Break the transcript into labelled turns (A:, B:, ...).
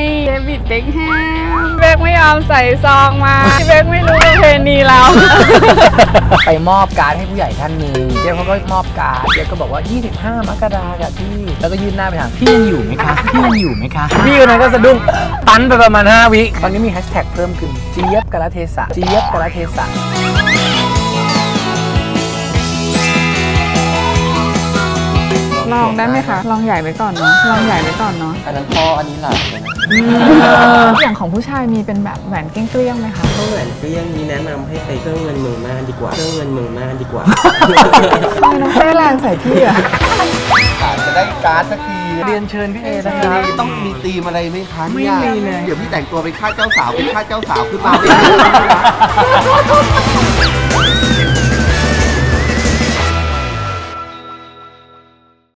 A: เดวิดเบ็คแฮมเบคไม่ยอมใส่ซองมาเบคไม่รู้ประเพณีเรา
B: ไปมอบการ์ดให้ผู้ใหญ่ท่านหนึ่งเจ๊เขาก็มอบการ์ดเจ๊ก็บอกว่า25 มกราคมพี่แล้วก็ยื่นหน้าไปถามพี่ยังอยู่ไหมคะพี่ยังอยู่ไหมคะพี่คนนั้นก็สะดุ้งตันไปประมาณ5 วิตอนนี้มีแฮชแท็กเพิ่มขึ้นเจี๊ยบกาลเทศะเจี๊ยบกาลเทศะ
A: ลองได้ไหมคะลองใหญ่ไว้ก่อนเนาะลองใหญ่ไว้ก่อนเนาะ
C: อันนั้นพ่ออันนี้หลาน
A: อย่างของผู้ชายมีเป็นแบบแหวนเกลี้ยงๆไหมคะ
C: ถ้าแหวนเกลี้ยงนี้แนะนำให้ไปเครื่องเงินเมืองน่านดีกว่าเครื่องเงินเมืองน่านดีกว่า
A: ทำไมน้องเต้แรงใส่พี่อะ
D: จะได้การ์ดสักที
B: เรียนเชิญพี่เอนะครับ
D: ต้องมีธีมอะไรไหมคะ
B: ไม่มีเลย
D: เดี๋ยวพี่แต่งตัวเป็นข้าเจ้าสาวเป็นข้าเจ้าสาวขึ้นมาไม่ได้